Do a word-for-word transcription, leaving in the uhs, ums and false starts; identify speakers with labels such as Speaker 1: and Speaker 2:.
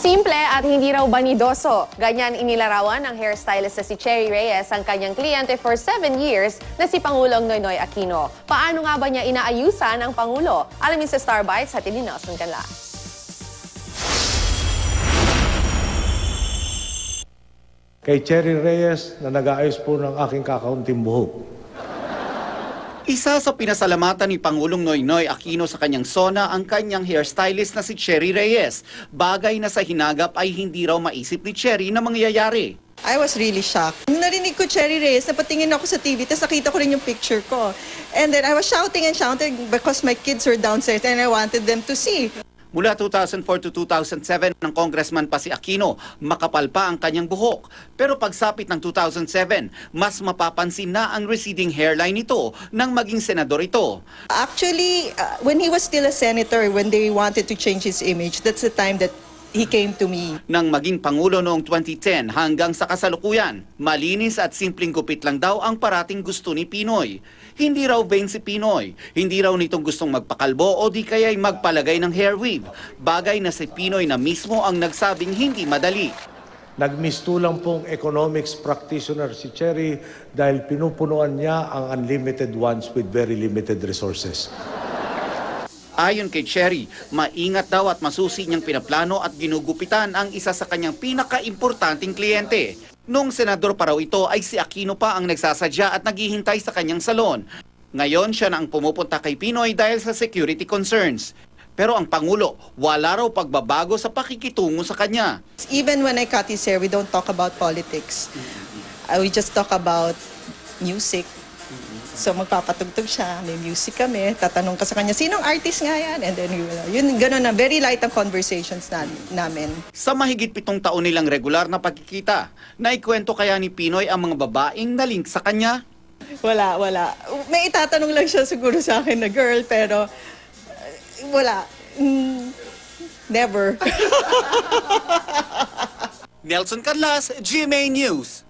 Speaker 1: Simple at hindi raw banidoso. Ganyan inilarawan ng hairstylist na si Cherry Reyes ang kanyang kliyente for seven years na si Pangulong Noynoy Aquino. Paano nga ba niya inaayusan ang Pangulo? Alamin sa Star Bites sa ni Nelson Canlas.
Speaker 2: Kay Cherry Reyes na nag-aayos po ng aking kakaunting buhok.
Speaker 3: Isa sa pinasalamatan ni Pangulong Noynoy Aquino sa kanyang sona ang kanyang hairstylist na si Cherry Reyes. Bagay na sa hinagap ay hindi raw maisip ni Cherry na mangyayari.
Speaker 4: I was really shocked. Nung narinig ko Cherry Reyes, napatingin ako sa T V, tapos nakita ko rin yung picture ko. And then I was shouting and shouting because my kids were downstairs and I wanted them to see.
Speaker 3: Mula two thousand four to two thousand seven, ng congressman pa si Aquino, makapal pa ang kanyang buhok. Pero pagsapit ng two thousand seven, mas mapapansin na ang receding hairline nito nang maging senador ito.
Speaker 4: Actually, uh, when he was still a senator, when they wanted to change his image, that's the time that he came to me.
Speaker 3: Nang maging Pangulo noong twenty ten hanggang sa kasalukuyan, malinis at simpleng gupit lang daw ang parating gusto ni Pinoy. Hindi raw vain si Pinoy, hindi raw nitong gustong magpakalbo o di kaya'y magpalagay ng hair weave. Bagay na si Pinoy na mismo ang nagsabing hindi madali.
Speaker 2: Nagmistulang pong economics practitioner si Cherry dahil pinupunuan niya ang unlimited ones with very limited resources.
Speaker 3: Ayon kay Cherry, maingat daw at masusi niyang pinaplano at ginugupitan ang isa sa kanyang pinaka-importanting kliyente. Noong senador pa raw ito ay si Aquino pa ang nagsasadya at naghihintay sa kanyang salon. Ngayon siya na ang pumupunta kay Pinoy dahil sa security concerns. Pero ang Pangulo, wala raw pagbabago sa pakikitungo sa kanya.
Speaker 4: Even when I cut his hair, we don't talk about politics. Uh, we just talk about music. So magpapatugtog siya, may music kami, tatanong ka sa kanya, sinong artist nga yan? And then yun, gano'n na, very light ang conversations na, namin.
Speaker 3: Sa mahigit pitong taon nilang regular na pagkikita, naikwento kaya ni Pinoy ang mga babaeng na-link sa kanya?
Speaker 4: Wala, wala. May itatanong lang siya siguro sa akin na girl, pero uh, wala. Mm, never.
Speaker 3: Nelson Canlas, G M A News.